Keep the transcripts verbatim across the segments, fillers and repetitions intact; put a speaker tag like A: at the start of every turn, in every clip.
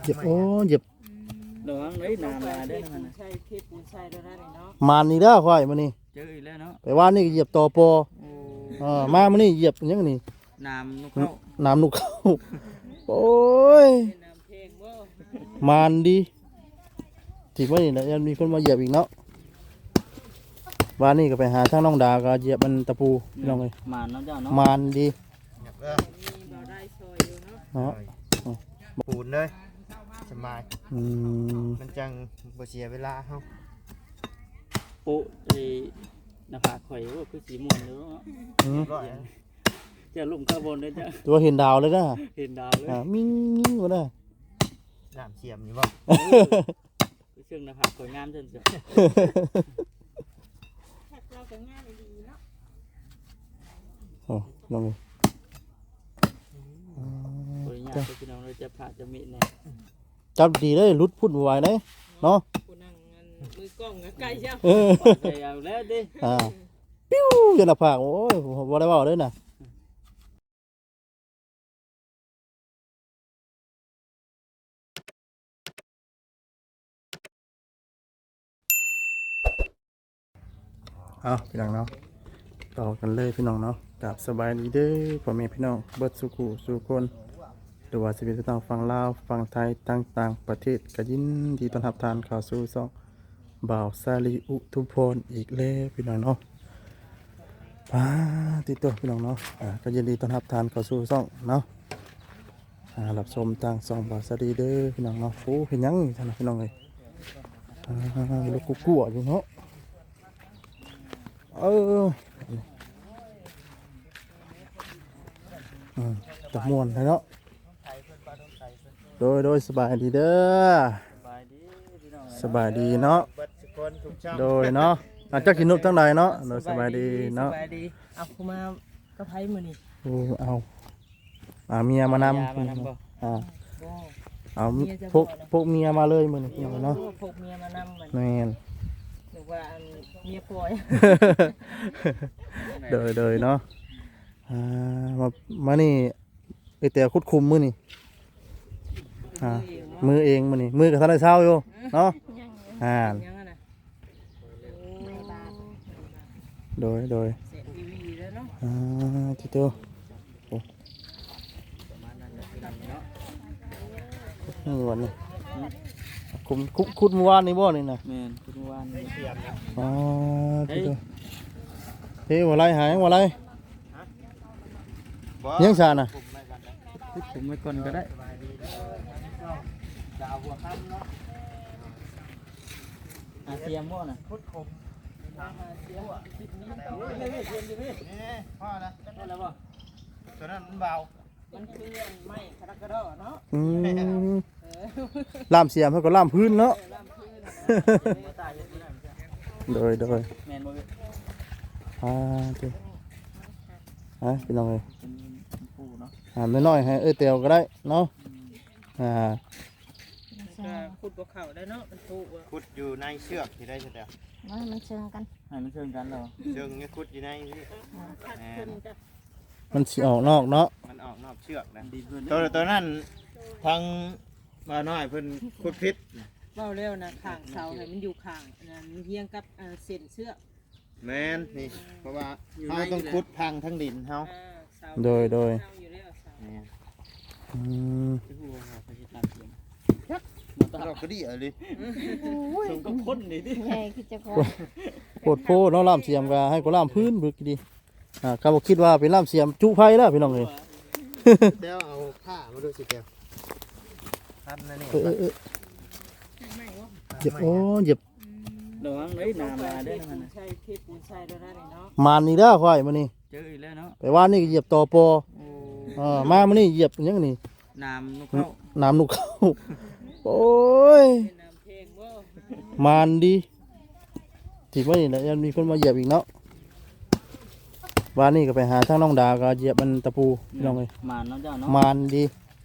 A: จ็บโอ้เจ็บ
B: ระวังเลยน้ำมาได้อมัน
C: ใช่เทปูนใช่แล้วนะเนาะ
A: มานนี่เด้อข่อยมื้อนี้
B: เจออีกแล้วเนาะ
A: ไปว่านี่ก็เหยียบตอปอเออมามื้อนี้เหยียบหยังนี่
B: น้ำนกเข้า
A: น้ำนุกเข้าโอ้ย
C: น้ำเพลงบ่
A: มานดีที่มื้อนี้น่ะยังมีคนมาเหยียบอีกเนาะว่านี่ก็ไปหาทางน้องดาก็เหยียบมันตะปูพี่น้องเอ้ย
B: มานเนาะเจ้าเนาะ
A: มานดี
C: มีบ่ได้ซอยอยู่เนาะ
A: เนาะ
D: ปูนเลยสบาย
A: อืม
D: มันจังบ่เสียเวลาเฮา
B: ปุ๊ไอ้หน้าผากข่อยว่าคือสีม่วงเนาะ
A: อืม
B: จะลุ่มข้างบนเลยจ้ะ
A: ตัวเห็นดาวเลยนะ
B: เห็นดาวเลย
A: อ่ามิ้งมิ้งบ่ได้
D: น้ำเสียมนี่บ่
B: เชื่องหน้าผากข่อยงามจนจ้ะ
C: เราก็งามดีเนาะ
A: โอ้น้อง
B: ข่อยยากพี่น้องเราจะผ่าจะมีแน่
A: จับดีเลยรุดพุ่นไหวเลยเนาะ
C: ผู้นั่งมือกล้องใกล้เจ้า
B: ไปเอาแล้วดิ
A: อ่าปิ้วยันละผากโอ้ยบ่ได้เว้าเลยน่ะเอาพี่น้องเนาะต่อกันเลยพี่น้องเนาะกับสบายดีเด้อพ่อแม่พี่น้องเบิดสุขุสู่คนหรือว่าสิเป็นพี่น้องฝั่งลาวฝั่งไทยต่างๆประเทศก็ยินดีต้อนรับทานเข้าสู่ช่องบ่าวซาลีอุทุมพรอีกแล้วพี่น้องเนาะปาติโตพี่น้องเนาะอ่าก็ยินดีต้อนรับทานเข้าสู่ช่องเนาะอ่ารับชมทางช่องบ่าวซาลีเด้อพี่น้องเนาะโอ้เห็นยังท่านพี่น้องเอ้ยอ่าลูกกุ๊กกัวอยู่เนาะเออตะมวนเลยเนาะโดยโดยสบายดีเด้อสบายดีเนาะโดยเนาะอาจจะกินนุบทั้งใดเนาะโดยสบายดีเนาะ
C: สบายดีเอาคุมากระไพมื้อนี้
A: โอ้เอาอ่าเมียมานำอ่าเอาพวกพวกเมียมาเลยมื้อนี้พี่น้องเนาะ
C: พวกเมียมานำมัน
A: แม่น
C: หรือว่าเมียปล่อย
A: โดยโดยเนาะอ่ามามานี่ไอแต่คุดคุมมือนี่อ่ามือเองมือนี่มือกับท่านได้เช่าอยู่เนาะอ่าโดยโดยอ่าที่ตัวนี่วันนี้คุมคุดคุดเมื่อวานนี่บ่นี่นะ
B: แม่นคุดเมื่อวานนี่
A: อ๋อที่ตัวเฮ้ยว่าไรหายว่าไรยังชาน่ะ
B: ผมไว้ก่อนก็ได้อาเซียมบ่น่ะพุดคมอาเซียมคิดนี้ต่อเลยเรียนดิพี่นี่พ่อนะได้แล้วบ่ตัวนั้นมันเบา
C: มันคือไม้คาราคาดอเนาะ
A: อืมล่ามเสียมเขาก็ล่ามพื้นเนาะโดยโดย
B: แม่นบ่พี่
A: อ่าที่ฮะพี่น้องเอ้ยอ่าไม่น้อยให้เอ้ยเตียวก็ได้เนาะอ่า
C: ขุดบ่เข้าได้เนาะมันถูก
D: ขุดอยู่ในเชือกที่ได้ใช่มั้ย
E: มันเชิงกัน
B: ให้มันเชิงกันเหรอ
D: เชือกนี่ขุดอยู่ในนี่
A: มันสิออกนอกเนาะ
D: มันออกนอกเชือกนะตัวตัวนั้นทางบ่าวน้อยเพิ่นขุดพิษ
C: เว้าแล้วนะข้างเสาให้มันอยู่ข้างนั่นเฮียงกับเส้นเชือก
D: แม่นนี่เพราะว่าเฮาต้องขุดพังทั้งดินเฮา
A: โดยโดย
B: อืม
D: เราก็ดีอะไร
B: ส่งกับคนนี่ดิ
E: ใหญ่คือจะพอ
A: โคตรโพเนาะล่ามเสียมก็ให้ก็ล่ามพื้นบึกดีอ่าก็บ่คิดว่าเป็นล่ามเสียมจุไฟแล้วพี่น้องเอ้ย
D: เดี๋ยวเอาผ้ามาดูสิแก้วทันนะนี่
A: เออเออเจ็บโอ้เจ็บ
B: ระวังเลยน้ำมาได้อมัน
C: ใช่เทปูนใช่แล้วนะเนา
A: ะมานนี่เด้อข่อยมื้อนี้
B: เจออีกแล้วเนาะ
A: ไปว่านี่ก็เหยียบตอปออ่ามามื้อนี้เหยียบหยังนี่
B: น้ำนกเข้า
A: น้ำนกเข้าโอ้ยมานดีที่มื้อนี้น่ะยังมีคนมาเหยียบอีกเนาะว่านี่ก็ไปหาทางน้องดาก็เหยียบมันตะปูพี่น้องเอ้ย
B: มานเนาะเจ้าเนาะ
A: มานดี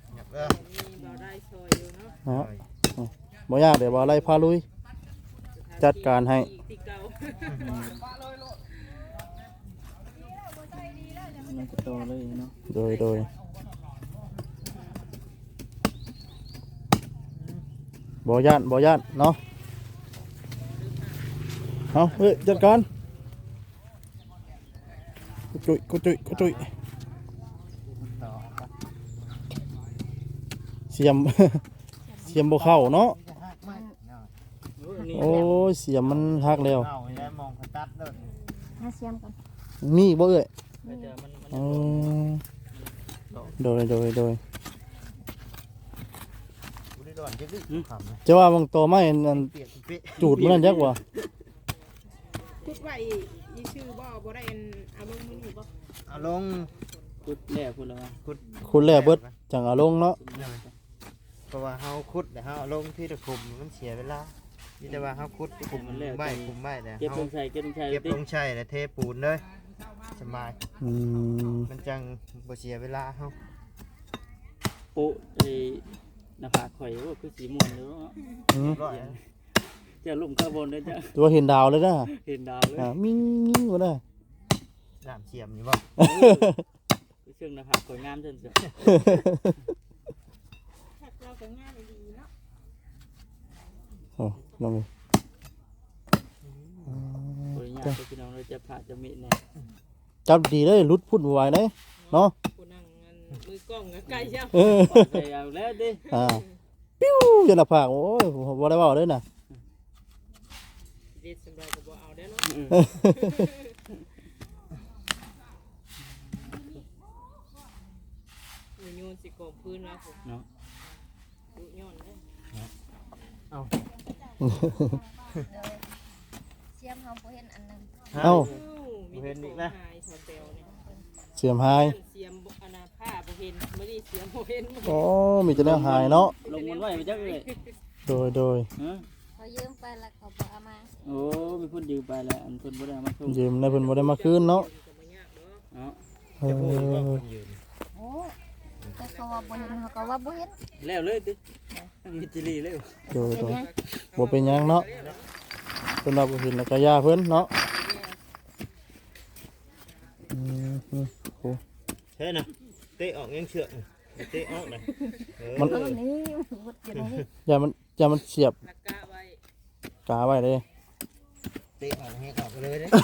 A: เนาะบ่ยากเดี๋ยวบ่ไล่พาลุยจัดการให้
B: มันก็โตเลยเนาะ
A: โดยโดยบ่ย่านบ่ย่านเนาะเอาเฮ้ยจัดการกุจุยกุจุยกุจุย
D: ต่อ
A: เสียม เสียมบ่เข้าเนาะ
D: จะหักไหมเนาะ
A: โอ้ยเสียมมันหักแล้ว
D: เอาแล้วมองเขาตัดเด้อ
E: หาเสียมก่อน
A: มีบ่เอ้ย
B: เดี๋ยวมันมัน
A: อ๋อโดยโดยโดย
D: บุรีดอนจะดิขำนะ
A: จะว่าบางตัวไม้อัน
D: เปียกเป๊ะ
A: จูดมันนั่นยักว่า
C: พูดว่าอีชื่อบ่บ่ได้อันเอาลงมือนี่บ่
D: เอาลง
B: พุดแล้วพุดแล้ว
D: ขุด
A: คุณแลเบิดจังเอาลงเนาะ
D: เพราะว่าเฮาขุดแต่เฮาเอาลงที่ตะคุมมันเสียเวลานี่แต่ว่าเฮาขุดคุมใบคุมใบแต่
B: เก็บ
D: เฮา
B: ลงใส่เก็บลงใส่
D: เก็บ
B: ติ
D: ลงใช่แล้วเทปูนเลยสบาย
A: อืม
D: มันจังบ่เสียเวลาเฮา
B: ปุไอ้หน้าผากข่อยว่าคือสีม่วงเด้อ
A: อืม
D: ร้อย
B: จะลุ่มคาร์บอนได้จ้ะ
A: ตัวเห็นดาวเลยนะ
B: เห็นดาวเลย
A: อ่ามิ้งมิ้งบ่ได้
D: น้ำเสียมนี่บ่
B: คือเชิงหน้าผากข่อยงามจังซี่
C: ถ้าเราก็งานดีเนาะ
A: โอ้ลองดู
B: บ่ได้ยากพี่น้องเราจะผ่าจะมีแน่
A: จับดีเลยหลุดพุ่นบ่ไหวเด้เนาะ
C: ผู้นั่งอันมือกล้องก็ใกล้แล้ว
A: เออ
B: ใส่เอาแล้วดิ
A: อ่าปิ้วจนหน้าผากโอ้ยบ่ได้เว้าเลยน่ะ
C: เด็ดสำหรับก็บ่เอาได้เนาะมือโยนสิกองพื้นแล้วผม
B: เนาะ
C: ดุย้อนเด้อ
E: เสียมเฮาบ่เห็นอันนึง
A: เอ้า
C: มีแต่ของหายสาวเตลเนี่ย
A: เสียมหาย
C: เสียมบ่อนาผ้าบ่เห็นบ่ได้เสียมบ่เห็นบ่
A: โอ้มีแต่แนวหายเนาะ
B: ลงมันไว้มาจักเลย
A: โดยโดย
B: ฮะ
E: เขายืมไปแล้วเขาบ่เอามา
B: โอ้มีคนยืมไปแล้วอันเพิ่นบ่ได้เอามาส่ง
A: ยืมในเพิ่นบ่ได้มาคืนเนาะ
C: ก็บ่ยากเนาะ
B: เนาะ
A: เอ
D: จะพูดว่า
A: อ
D: คนยืน
E: โอ้แต่เขาว่าบ่เห็นเขาก็ว่าบ่เห็น
B: แล้วเลยติมีจิลีเลย
A: โดย
E: เป็น
A: โดย
E: หยัง
A: บ่เป็นหยังเนาะเพิ่นว่าบ่เห็นแล้วก็ย่าเพิ่นเนาะอืมอืมโอ้
D: เฮ้ยนะเตะออกยังเชือกเตะออกนะเออ
A: มัน
E: เอานี่วุดอยู่นี่
A: อย่ามันอย่ามันเสียบ
C: ลักกะไว้
A: กาไว้เลย
D: เตะออกให้ออกไปเลยเด้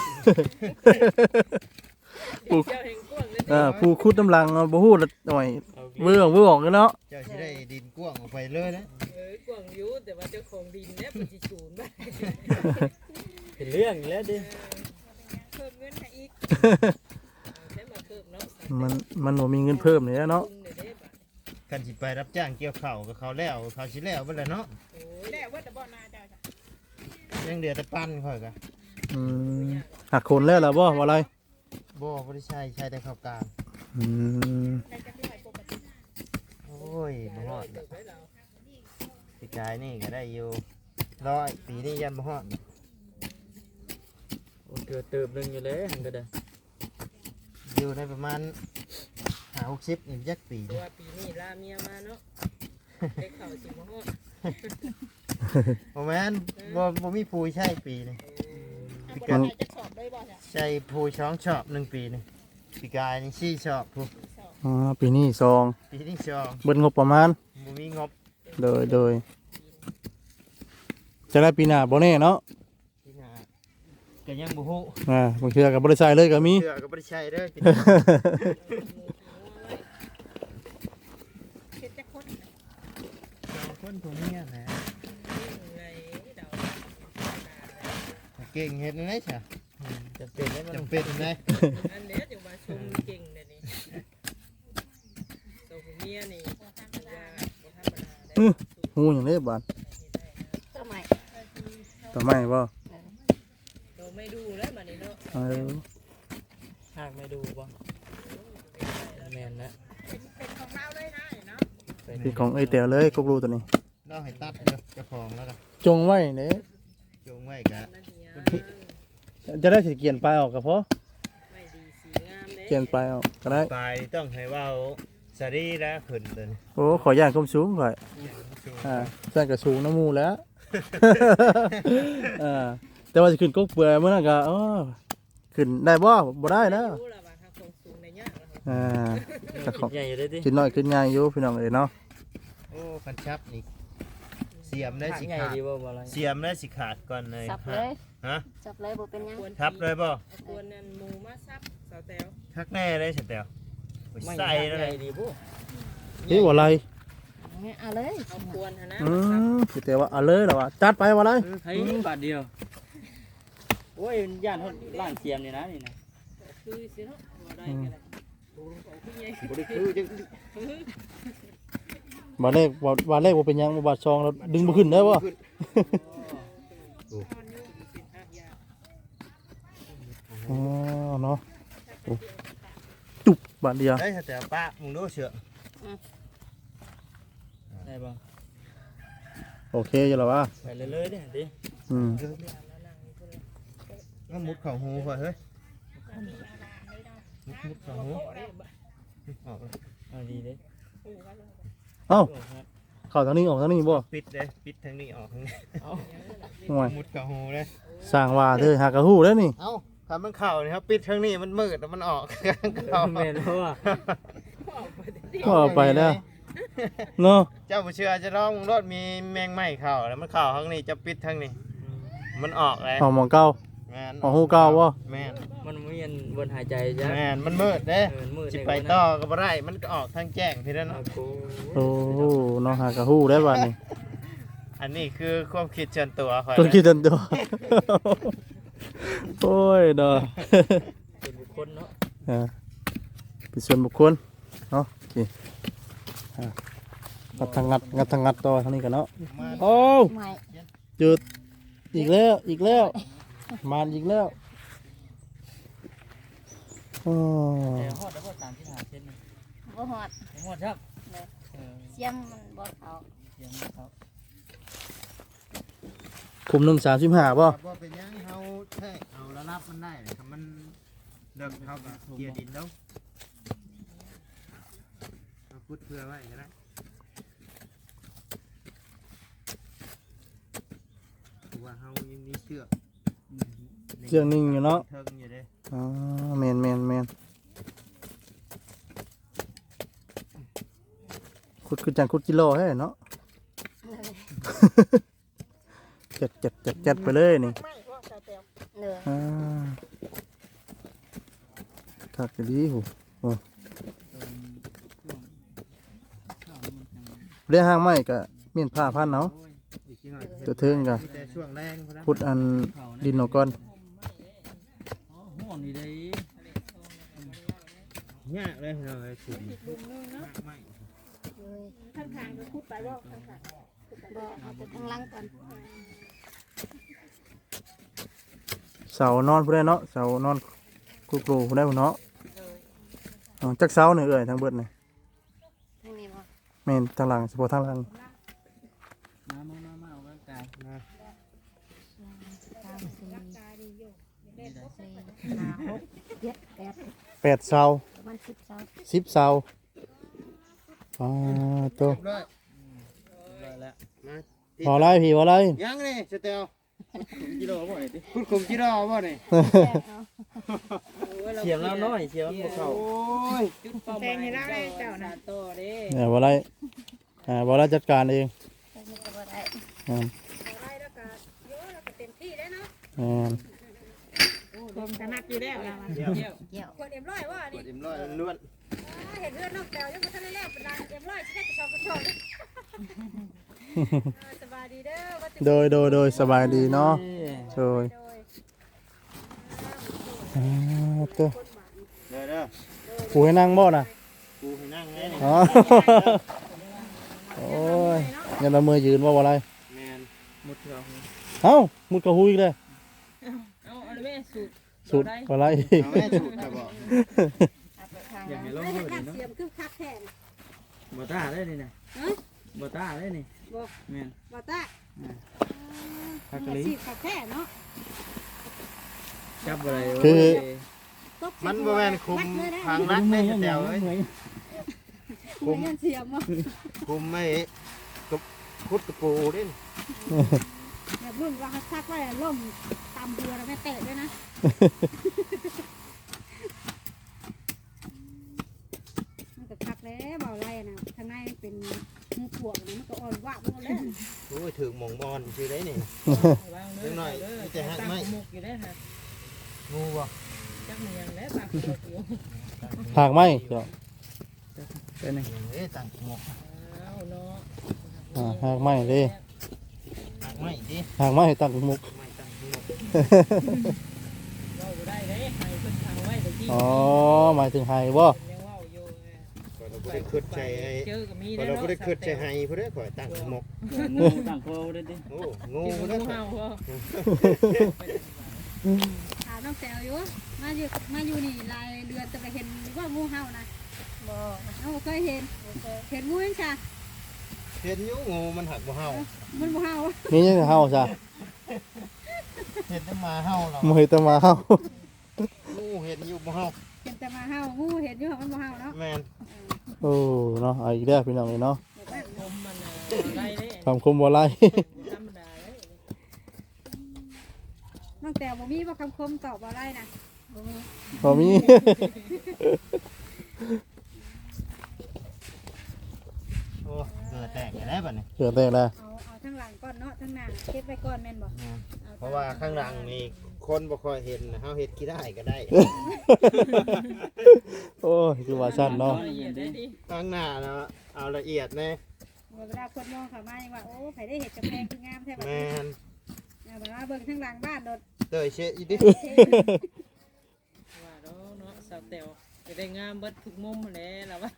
A: ปลูก
C: เจ้าแห่งกว้างเลย
A: อ่าผู้คุดน้ำลังเอาบ่ฮู้ละหน่อยเบื่อเบื่อออกกันเนาะ
D: เจ้าสิได้ดินกว้างออกไปเลยนะ
C: เออกว้างอยู่แต่ว่าเจ้าของดินเนี่ยมันสิสูญไป
B: เป็นเรื่องแล้วดิ
C: เพิ่มเงินให้อีกใช้มาเพิ่มเนาะ
A: มันมันบ่มีเงินเพิ่มนี่แหละเนาะ
C: ปรุงได้เด้บัด
D: กันสิไปรับจ้างเกี่ยวข้าวกับเขาแล้วเขาสิแล้วเบิ่แล้วเนาะ
C: โอ้ยแล้วว่าแต่บ่นาเจ้าจ้ะ
D: ยังเดือแต่ปั้นค่อยกะ
A: อืมหักคนแล้วล่ะบ่ว่าอะไร
D: บ่บ่ได้ใช้ใช้แต่ข้าวกลาง
A: อืม
C: ได้จะที่ไหนปกติ
D: โอ้ยบ่ฮอด
C: เติบไว้แล้ว
D: ปีกายนี่ก็ได้อยู่ร้อยปีนี้ยันบ่ฮอด
B: โอ้เกิดเติบหนึงอยู่แล้วหันก็ได้
D: อยู่ในประมาณห้าหกสิบนี่จักปี
C: เพราะ
D: นี่
C: ว่าปีนี้ลาเมียมาเนาะได้ข่าวสิบ่ฮอด
D: บ่แม่นบ่บ่มีผู้ใช้ปีนี่
C: มันจะสอบได้บ่จ้ะ
D: ใช้ผู้ช้องชอบหนึ่งปีนี่ปีกายนี่สี่ชอบผู้
A: อ๋อปีนี้ซอง
D: ปีนี้ชอบ
A: เบิดงบประมาณ
D: บ่มีงบ
A: โดยโดยจะได้ปีหน้าบ่แน่เนาะ
D: ที่หน้าก็ยังบ่ฮู้
A: อ่าบางเทื่อก็บ่ได้ใช้เลยก็มี
D: เชื่อก็บ่ได้ใช้เด้อ
C: เฮ็ดจักคน
D: สองคนผัวเมียนะ
C: ไงเดา
D: เก่งเฮ็ดได้ซะ
B: จะเป็นได้บ่
D: จำเป็นได้
C: อันเนี้ยจังว่าชมเก่งเด้นี่ตัวผู้เมียนี่ว่าบ่ธรรมดาเด้
A: ฮู้หยังเด้บาด
E: ทำไม
A: ต่อไม้บ่
C: ตัวไม่ดูแล้วบัดนี้เนาะ
A: เออ
B: หากไม่ดูบ่แม่นนะ
C: เป็นของเราเลยนะเนาะ
A: พี่ของไอ้แต๋วเลยกกรูตัวนี้
D: เราให้ตัดเด้อเจ้าของแล้วก็
A: จงไว้เด้
D: จงไว้กะ
C: นั่นเฮีย
A: จะได้สิเกียนปลายออกก็พอ
C: ไม่ดีสีงามเด้
A: เกียนปลายออกก็ได้
D: ไปต้องให้เว้าสารีแล้วขึ้นตัวนี้
A: โอ้ขอย่านความสูงก่อนอ่าสร้างกระสูงน้ำมูแล้ว อ่าแต่ว่าจะขึ้นกกเปื่อยเมื่อนั้นก็อ๋อขึ้นได้บ่บ่ได้แล้ว
C: รู้ล่ะว่าถ้าของสูงในยากแล้ว
A: อ่าแต่ของ
B: ใหญ่อยู่ได้ดิ
A: ขึ้นน้อยขึ้นง่ายอยู่พี่น้องเอ้ยเนาะ
D: โอ้คันชับนี่สียมได้สิ
B: ใหญ่
D: ขาด
B: ดีบ่บ่อะไร
D: เสียมได้สิขาดก่อนเลย
E: สับเลย
D: ฮะ
E: สับเลยบ่เป็นหยัง
D: ทับเลยบ่
C: กวนนั่นหมูมาซับสาวแตว
D: ทักแน่ได้ฉันแต่ว
B: ไม่
D: ใส่
B: ให
D: แล้ว
B: ญ่
D: เลย
B: ดีบ่
A: นี่ว่าอะไร
E: เอาเลย
C: เอากวนหั่นนะ
A: อื
C: มาซับ
A: มสิแต่ว่าเอาเลยเหรอวะจัดไปว่าอะไร
B: เฮ้ยบาทเดียวโอ้ยย่านเฮาล้างเทียมนี่นะนี่นะ
C: คือสิเนาะบ่ได้ก็ได้โอ้โหคือใหญ่
D: บ่ได้คือจัง
A: บาเลขบาบาเลขว่าเป็นหยังบาทซองแล้วดึงบ่ขึ้นได้บ่ อ๋อเนาะโอ้จุบบาทเดียว
D: ได้ฉันแต่วป้ามึงดูเสือ
B: ได้บ่
A: โอเคอยู่แล้ววะ
B: ไปเลยๆเด้ดิ
A: อืม
D: ก็มุดเข่าหูก่อนเฮ้ยมุดมุดเข่าหูออกเลย
B: เอาดีเด้
A: เอ้าเข้าทางนี้ออกทางนี้บ่
D: ปิดเลยปิดทางนี้ออกทางนี้
B: เอา
A: ห่วย
D: มุดเข่าหูเลย
A: สร้างว่าเด้อหากระหู้แล้วนี่
D: เอ้าทำมันเข่านี่ครับปิดทางนี้มันมืดแล้วมันออกเข่า
B: แม่นบ่ว่า
A: ก็เอาไปแล้วเนาะ
D: เจ้าผู้เชื่อจะร้องมึงรถมีแมงไหม้เข่าแล้วมันเข่าทางนี้จะปิดทางนี้มันออกเลย
A: เอาหมองเก่า
D: แม่น
A: เอาหูเก่าบ่
D: แม่น
B: มันมีอันบนหายใจจ้ะ
D: แม่นมันมืดเด้
B: เออมืด
D: สิไปต่อก็บ่ได้มันก็ออกทางแจ้งทีนั้น
B: เอา
D: เนาะ
B: กู
A: โอ้เนาะหากระหู้ได้บัดนี้
D: อันนี้คือความคิดส่วนตัวข่อย
A: ต้องคิดตันตัวโอ้ยเนาะ
B: เป็นบุคคลเนาะ
A: อ่าเป็นส่วนบุคคลเนาะโอเคอ่างัดทางงัดงัดทางงัดต่อทางนี้กันเนาะ
D: มา
A: โอ้
E: ไม่
A: จุดอีกแล้วอีกแล้วมานอีกแล้วโอ้
B: แต่ฮอดแล้วบ่สามสิบห้าเซนนี่
E: บ่ฮอด
B: บ่ฮอดครับเออ
E: เสียมมันบ่เข้า
B: เสียงเขา
A: คุมหนึ่งสามสิบห้าป่ะ
D: ว่าเป็นหยังเฮาแท้เอาระดับมันได้เลยครับมันเดิมเฮาก็เกียร์ดินแล้วเอาพุดเพื่อไว้ก็ได้เพราะว่าเฮายังมีเชือก
A: เชือกนิ่งอยู่เนาะ
D: เทิงอยู่เด้
A: อ๋อแมนแมนแมนขุดคือจังขุดกิโลให้เนาะ เจ็ดเจ็ดเจ็ดเจ็ดไปเลยนี่
C: ไม่ว่าสาวแตว
E: เลย
A: อ่าถักกะดีหูโอ้เรียกห้างไม้ก็เมียนผ้าพันเนาะ
D: อีกทีหน่อย
A: ตัวเทิงก็
D: มีแต่ช่วงแรงเท่านั้น
A: พุดอันดินออกก่อน
B: อ๋อห้องนี่ได้
D: ยากเลยเนาะไอ้ขุดไม่
E: เลย
C: ข้างทางก็พูดไปว่าข้างทาง
E: บ่เอาแต่ข้างหล่างก่อน
A: เสานอนผู้ใดเนาะเสานอนกูกรูผู้ใดผู้เนาะอ๋อจักเสาเนี่ยเอ่ยทั้งเบิดเนี่ย
E: ทางนี้บ่
A: แม่นทางหลังเฉพาะทางหลัง
B: มามามามาเอาร่างกาย
D: นะ
E: สามสี่สี่ห้าหกเจ็ดแปด
A: แปดเสา
E: ประมาณสิบเสา
A: สิบเสาอ๋อตัว
D: ด้วย
B: ได้แล้ว
D: มา
A: พอไรพี่พอไร
D: ยังนี่สเตลกิโลบ่นี่คุณคุมกิโลบ่นี่
B: เสียงแล้วน้อยเสียงมันบ่เข้า
D: โอ้ย
C: จุดเป้าหมายให้เราได้เจ้านะโตเด้
A: เนี่ยพอไรอ่าพอไรจัดการเอง
E: แต่นี่ก็บ่ได้
A: อ่า
C: ได้แล้วก็เยอะแล้วก็เต็มที่ได้เนาะ
A: อ่า
C: ผมถนัดอยู่แล้วเราอะ
D: เดี๋ยว
C: เที่ยว
E: เกี่ยว
C: คนเอ็มร้อยว่า
D: ก
C: นี่
D: ดอิ่มร้อยล้วน
C: เห็นเพื่อนนอกแตวยังไม่ทันได้แล้วเป็นนางเอ็มร้อยที่ได้กระชอกกระชอกสบายดีเด้อ
A: โดยโดยโดยสบายดีเนาะโดย
C: โดย
A: อ่าตัว
D: เด้อเด้อ
A: ปูให้นั่งบ่น่ะ
D: กูให้นั่งไงนี่
A: อ๋อโอ้ยยันละเมือยืนว่าว่าไร
D: แมน
B: หมดแล้ว
A: เอ้ามุดกระหุยอีกเลย
C: เอาเอาเลยแม่สูตร
A: สุดว่าไร
D: เอาแม่สูตรจะบอก
E: เอาไปทาง
B: อยาก
E: นั้
B: ให้
E: น
B: ลอง
C: ไม่
B: มื
C: ได้
B: อ
C: คั
B: ดิ
C: ด
B: เนาะ
C: เสียมคือคัดแทน
B: บ่ตาได้นี่นะบ่ตาได้นี่
C: บอก
B: แม่น
C: บาตา
B: คักกะลี
C: สีคัดแท้เนาะ
B: จับอะไร
A: คือ
D: มันบ่แม่นคุมทางรักแม่สเตลเอ้ย
C: คุมเงินเสียมอ่ะ
D: คุมไม่กับคุดกระปูดิ
C: แบบรุ่นว่าคักไว้ล่มตามเรือแล้วไม่เตะด้วยนะมันก็คักแล้วเบาไรนะข้างในเป็น
E: มันขวบนี่มันก็อ่อนว่ามันแล้ว
D: โอ้ยถึงหมองบอลชื่อได้นี่
C: วาง
D: เล็กน้อยมีแต่หักไม้
C: ตั้งมุกอยู่ได้อค่ะ
D: งูบ่
C: จักมันยังแล้วตักมุกอยู่
A: หากไหมเจ้าเป็นไง
D: เอ้ยตั้งหมก
C: อ้าวเนาะ
A: อ่าหากไหมเด้
D: หักไม้ดิ
A: หากไหมตั้งมุก
D: ไม้ตั้งหมก
C: เราบ่ได้เด้ให้เพิ่นทางไว้แต่ที่
A: อ๋อหมายถึงไฮบ่
C: ยังเว้าอยู่
D: ก็เราบ่ได้คิดใจไอ้
C: เจอก็มี
D: ก็
C: แล้ว
D: เรา
C: เนาะ
D: บ่ได้คิดใจให้ผู้ใดข่อยตั้งหมก
B: งูต่างโคได้ดิ
D: โอ้งู
C: งู
D: แล้ว
C: เห่าบ่
E: ถามน้องแตวอยู่มาอยู่มาอยู่นี่รายเดือนจะไปเห็นว่างูเห่านะบ่เอาเคยเห็นเห็นงูยังจ้ะ
D: เห็นอยู่งูมันหักบ่เห่า
E: มันบ่เห่า
A: นี่ยังเฮาซะ
D: เห็นแต่หมาเห่าเรา
A: บ่เฮ็ดแต่มาเฮา
D: งูเห็นอยู่บ่เห่า
E: เห็นแต่มาเห่างูเห็นอยู่มันบ่เห่าเนาะ
D: แม่น
A: โอ้เนาะเอาอีกแล้วพี่น้องเอ้ยเนาะ
C: ผมมันน่ะได้เด้
A: คำคมบ่ไล่
C: ธรรมดาเด้
E: น้องแตวบ่มีบ่คำคมตอบบ่ได้นะบ่มี
A: บ่มี
D: โอ้เกิดแตกได้บัดนี้
A: เกิดแตกแล้ว
E: เอาเอาทั้งหลังก่อนเนาะทั้งหน้าเก็บไว้ก่อนแม่นบ่
D: แม่นเพราะว่าข้างหลังนี่คนบ่ค่อยเห็นนะเฮาเฮ็ดกี่ได้ก็ได้
A: โอ้ยคือว่าสั้นเนาะ
C: ละเอียดได้ดิ
D: ข้างหน้าเนาะเอาละเอียดแน่
E: เวลาคนมองเข้ามายังว่าโอ้ไผได้เห็ดกำแพงคืองามแท้บัด
D: แม่
E: นี้
D: น
E: เอาแบบว่าเบิ่งทั้งหลังบ้านโดด
D: เตยเชะอีดิ
C: ว่าเนาะเนาะสาวแตวจะได้งามเบิดทุกมุมแหละล่ะว่า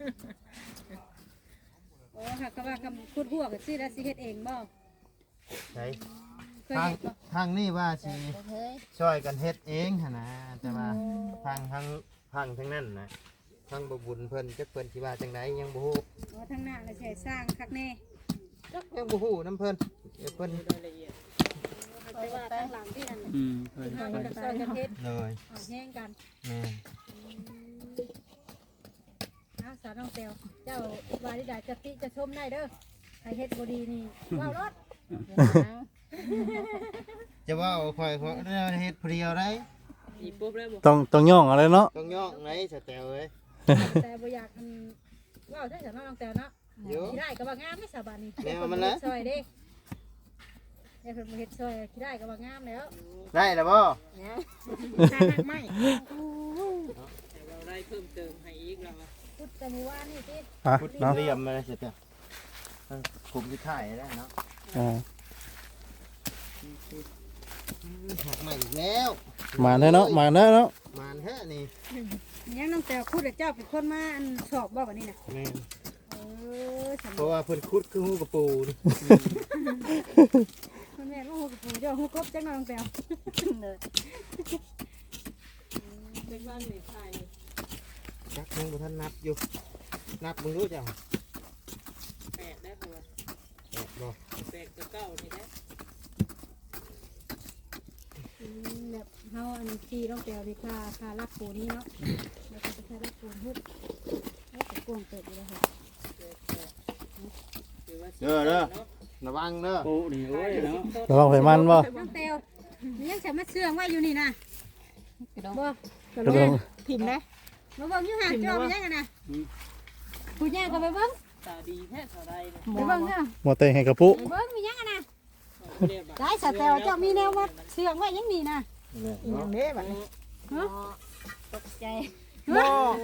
E: โอ้ค่ะก็ว่าคำพูดหัวก็สิแล้วสิเฮ็ดเองบ่
D: ใช่
E: เคย
D: ทาง
E: เฮ็ดบ่
D: ทางนี้ว่าสิช่วยกันเฮ็ดเองหั่นนะแต่ว่าทางทางทางทั้งนั้นนะทางบ่บุญเพิ่นจักเพิ่นสิว่าจังไดยังบ่ฮู้
E: โอ้ทั้งหน้าแล้วสิให้สร้างคักแน่
D: จักยังบ่ฮู้นํเพิ่นเดี๋ยวเพิ่น
C: รายละเอียด
E: แต่ว่าทั้งหลังที่นั่น
B: อืมเคย
E: เฮา
B: ไป
E: ก็ซอยกันเฮ็ด
D: เลย
E: เอาแห้งกัน
D: แม่น
E: เอาสาวน้องแตวเจ้าว่าที่ใดจะติจะชมได้เด้อใครเฮ็ดบ่ดีนี่ว้าวรถ
D: จะว่าเอาข่อยเขาเฮ็ดผู้เดียวได้
C: อีปุ๊บแล้วบ่
A: ต้องต้องย่องอะไรเนาะ
D: ต้องย่องไหนสแตลเอ้ย
E: แต่บ่อยากอันว้าวได้สาวน้องแตวเนาะ
D: เดี๋ยว
E: ขี้ได้ก็ว่างามไม่สาบานนี่
D: แนวมันนะ
E: ซอยเด้เดี๋ยวเพิ่นมาเฮ็ดซอยขี้ได้ก็ว่างามแล้ว
D: ได้แล้วบ่
E: เนี่ย
C: ค่าหักไม้แต่เราได้เพิ่มเติมให้อีกแล้วว่า
E: พุทธมือว่านี่สิ
A: ฮะ
D: พุด
A: เนาะ
D: เรียมมาเลยสแตลกลุ่มที่ถ่ายได้เนาะ
A: อ่า
D: หักใหม่อีกแล้ว
A: มาแน่เนาะมาแน่เนาะ
D: มานแท้นี่
E: ยังน้องแต่คุดเจ้าเป็นคนมาอันสอบบ่บัดนี้น่ะ
D: แม่น
E: เออฉัน
D: เพราะว่าเพิ่นคุดคือฮู้กระปูนี่
E: คนแม่ว่าฮู้กับปู่เจ้าฮู้ครบจังน้องแต่เด้อ
C: เป็นบ้านในไทย
D: จักยังบ่ทันนับอยู่นับมึงรู้จัง
C: แปดได้บ่
D: แปดบ่
C: แปดกับเก้านี่ได้
E: แบบเฮาอันที่น้องแต่นี่ค่าค่ารักปู่นี่เนาะแล้วก็ค่ารักปู่ฮึดแล้วก็กวงเติบอยู่แล้วค่ะ
C: ถือว่า
D: เด้อเด้อระวังเด้อ
B: โอ้นี่โอ้ยเนาะ
A: ระวังไฟมันบ่
E: น้องแตวมันยังจะมาเชื่องไว้อยู่นี่นะบ่
A: กระเบื้อง
C: พิมพ์นะ
E: มาเบิ่งอยู่ห่างจอมยังกันนะผู้ใหญ่ก็ไปเบิ่ง
C: ตาดีแท้เท่าไรเนี่ย
E: ไปเบิ่งเนาะ
A: หมอเตงให้กระปุ
E: ไปเบิ่งมียังกันนะ
C: เรียบ
E: ได้สแตวเจ้ามีแนวว่าเชื่องไว้ยังนี่นะ
C: อย่างนี้แบบนี้
E: ฮะ
F: ตกใจ
E: บ่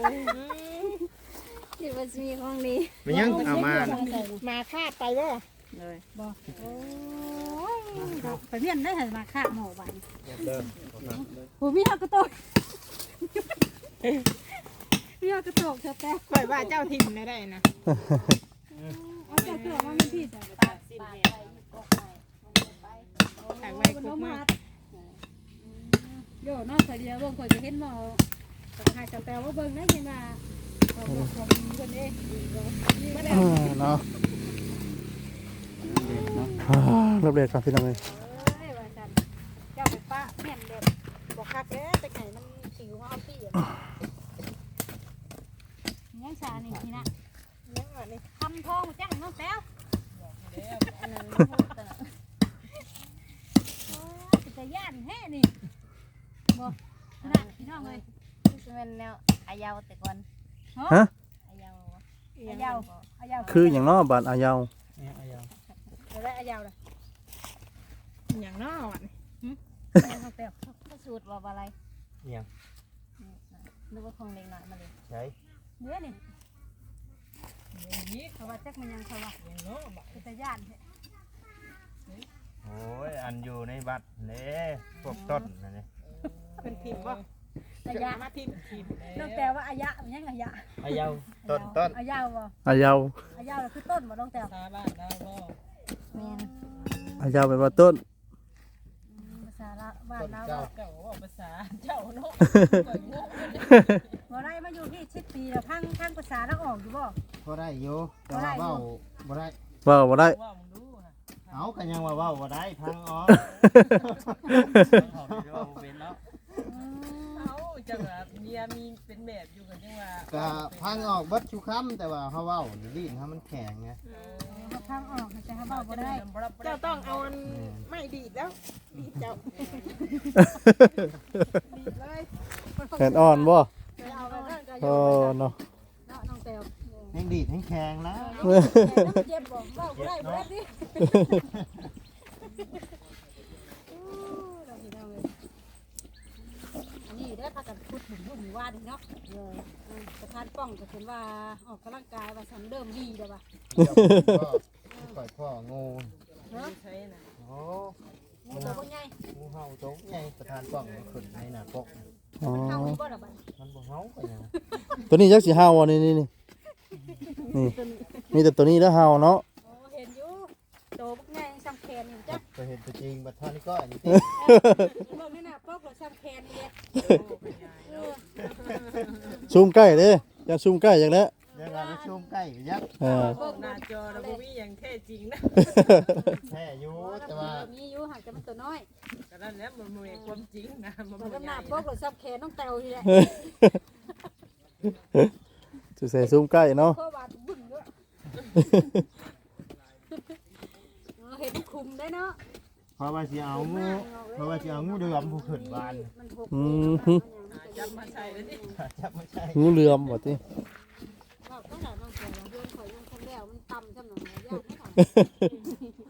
F: คิดว่าจะมีของดี
D: มันยังเอามา
C: มาคาดไปบ่เลย
E: บ่โอ้ยไปเมียนได้ให้มาฆ่าหมอบัด
D: เด้อ
E: ผู้มีฮักกระโตกมีฮักกระโตกสแตว
C: ปล่อยว่าเจ้าทิมได้ได้นะ
E: เอาเจ้าเชื่อว่ามันพี่จ้ะ
F: ปาดไปกกไปไป
C: ถ่ายไว้กบมาก
E: โยนอกเคยเดียวเบิ่งเคยจะเห็นหมอแต่หายสแตวว่าเบิ่งได้ยังว่าของของคนเด้บ่ได้
A: อ่าเนาะอ่ารับเด็ดครับพี่น้องเลย
E: เอ้ยว่าซั่นเจ้าไปปะแม่นเด็ดบ่คักเด้แต่ไก่มันสิวมาเอาปี้อ่ะยังชานี่นี่นะ
C: ยังว่านี่
E: ทำทองจังน้องแต้ว
F: อันนั้นพูดแต่
E: โอ้ยเป็นตาย่านแท้นี่บ่นะพี่น้องเอ้ย
F: ที่เป็นแนวอายาวแต่ก่อน
A: ฮะ
F: อายาว
E: ออายาวอายาว
A: คืออย่างเนาะบ้านอายาว
B: เนี่ยเอายาว
E: แล้วอายาวเลย
C: อย่างนอกอ่ะ
E: เขาเตียว
F: ก็สูตรว่าอะไร
D: เนี่ย
F: นึกว่าของเล็กหน่อยมาเลย
D: ใช่
E: เนื้อนี่
C: อย่างนี้
E: เขาว่าจักมันยังเขาว่า
C: อย่างนอกบอก
E: เป็นตะย่านแท้
D: โอ้ยอันอยู่ในบัตรเด้พวกต้นนั่นนี่
C: เป็นทีมบ่
E: อายะ
C: มาทีมทีม
E: น้องแต่ว่าอายะมันยังอายะ
B: เอายาว
D: ต้นต้น
E: อายาวบ่
A: อายาว
E: อายาวคือต้นบ่น้องแต่
C: ซาบ้านเราบ่
F: แมน
A: อายาวแปลว่าต้น
E: ภาษาละบ้าน
D: ต้น
E: เรา
D: เก้า
C: เก่าว่าภาษาเจ้าเนาะก่อยงง
E: บ่ได้มาอยู่ที่สิบปีแล้วพังพังภาษาแล้วออกอยู่บ่
D: พอได้อยู่แต่ว่าเว้าบ่ได้
A: ว่าบ่ได้
C: ว่ามึงดูนะ
D: เอากันยังว่าเว้าบ่ได้พังอ๋อ
B: เขาดีว่าเป็นเนาะ
C: เอาจังว่าเมียมีเป็นแบบอยู่กันจังว่า
D: ก็พังออกเบิดชุคำแต่ว่าเฮาเว้าลิ้นเฮามันแข็งไง
E: เขาพังออกแต่เขาเว้าบ่ได้
C: เจ้าต้องเอาอันไม่ดีดแล้วดีดเจ้าดีดเลย
A: แขนอ่อนบ่
E: ไปเอาไปนั่นก็อ
A: โอ้
E: ยู่
A: เนาะ
E: เนาะน้องแต่ว
D: แห้งดีดแห้งแข็งแล้ว
E: น้องเจ็บบ่เว้าบ่ได้บ่ได้ดิเราสิเอาเลยอันนี้ได้พากันพูดถึงรุ่นว่าดีเนาะเออประธานป้องก็เห็นว่าออกกำลังกายว่าสันเริ่มดีแล้วว่ะ
D: ปล่อยพ่องู
E: เนาะ
C: ใช่นะ
D: โอ้
E: งูตัวบ่ใหญ่
D: งูเห่าตรงใหญ่ประธานป้องมันขึ้นในหน้าปก
A: อ๋อ
E: เข้าอีบ่ล่ะบัด
D: มันบ่เห่าไปนะ
A: ตัวนี้ยักษ์สีห้าวอ่ะนี่นี่นี่นี่มีแต่ตัวนี้แล้วห้าวเนาะ
E: โอ้เห็นอยู่โตบักใหญ่ซ้ำแขนนี่จ้ะ
D: ไปเห็นตัวจริงบัดเท่านี้ก็อันนี้ติ
E: เบิ่งนี่น่ะปอกแล้วซ้ำแขนนี่แหละเออ
A: ซูมใกล้เด้อย่าซูมใกล้อย่างแล้ว
D: เดี๋ยวเราไปชมใกล้ยักษ์
A: เออ
C: พวกหน้าจอเราบ่มีอย่างแท้จริงนะ
D: แท้อยู่
E: โอ้
D: แต่ว่า
E: มีอยู่ห่างกันมันตัวน้อย
C: ก็นั่นแหละมันบ่มีความจริงนะมัน
E: มัน
C: บ่
E: น้ำห
C: ให
E: นั
C: ญ่
E: กปอกแล้วซ้ำแขนน้องแตวนี่แหละ
A: จะใส่ซูมใกล้เนาะ
E: เพราะว่าบึ้งด้วยเออเห็นคุมได้เนาะ
D: เพราะว่าสิเอางูเพราะว่าสิเอางูเดือมผู้ขึ้นบ้าน
E: มันหก
A: อื
E: เลย
A: ม
C: จับมาใส่เลยดิ
D: จับไม่ใช่
A: งูเหลือมบ่ติ
E: บอกตั้งแต่น้องแตวเพื่อนข่อยยังคงแล้วมันต่ำจำหน่อยยากไม่หน่อย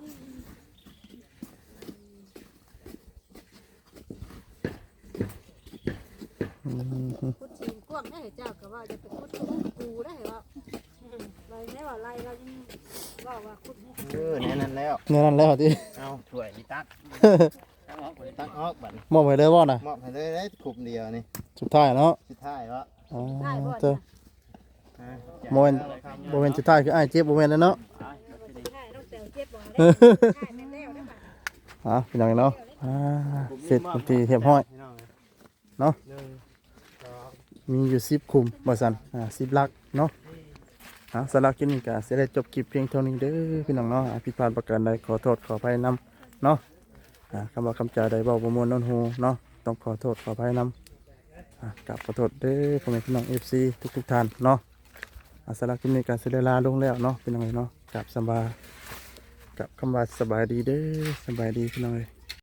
A: อืม
E: พูดทีมกว้างได้เหรอเจ้าก็ว่าจะไปพูดกับกูได้เหรอไรไม่ว่าไรเรายังว่าว่าคุดให้
D: เออแน่นั้นแล้ว
A: แน่นั่นแล้วติ
D: เอาถ้วยนี่ตักตักออกบัด
A: มอบให้เลยบ่น่ะ
D: มอบให้เลยได้ขุมเดียวนี่
A: สุดท้ายเนาะ
D: สุดท้ายวะ
A: อ๋อ
E: ได้บ่
A: เจ้า
D: อ่า
A: โมเมนต์บ่แม่นสุดท้ายคืออ้ายเจ็บบ่แม่นแล้วเนาะ
E: ได้ต้องเตวเจ็บบ่ได้ได้แม่แล้วได้ป่ะ
A: อ่ะพี่น้องเนาะอ่าเสร็จเป็นทีเรียบร้อย
D: พี่น้อง
A: เนาะ
D: หนึ่งสอง
A: มีอยู่สิบคุมบ่ซั่นอ่าสิบลักเนาะอ่ะสำหรับคลิปนี้ก็สิได้จบคลิปเพียงเท่านี้เด้อพี่น้องเนาะอ่ะผิดพลาดประการใดขอโทษขออภัยนํเนาะอ่าคำว่าคำจาใดเว้าบ่ม่วนโนนหูเนาะต้องขอโทษขออภัยนํอ่ะกราบขอโทษเด้อพ่อแม่พี่น้อง เอฟ ซี ทุกๆท่านเนาะอ่ะสำหรับคลิปนี้ก็สิได้ลาลงแล้วเนาะพี่น้องเอ้ยเนาะกราบสำบายกับคำว่าสบายดีเด้อสบายดีพี่น้องเอ้ย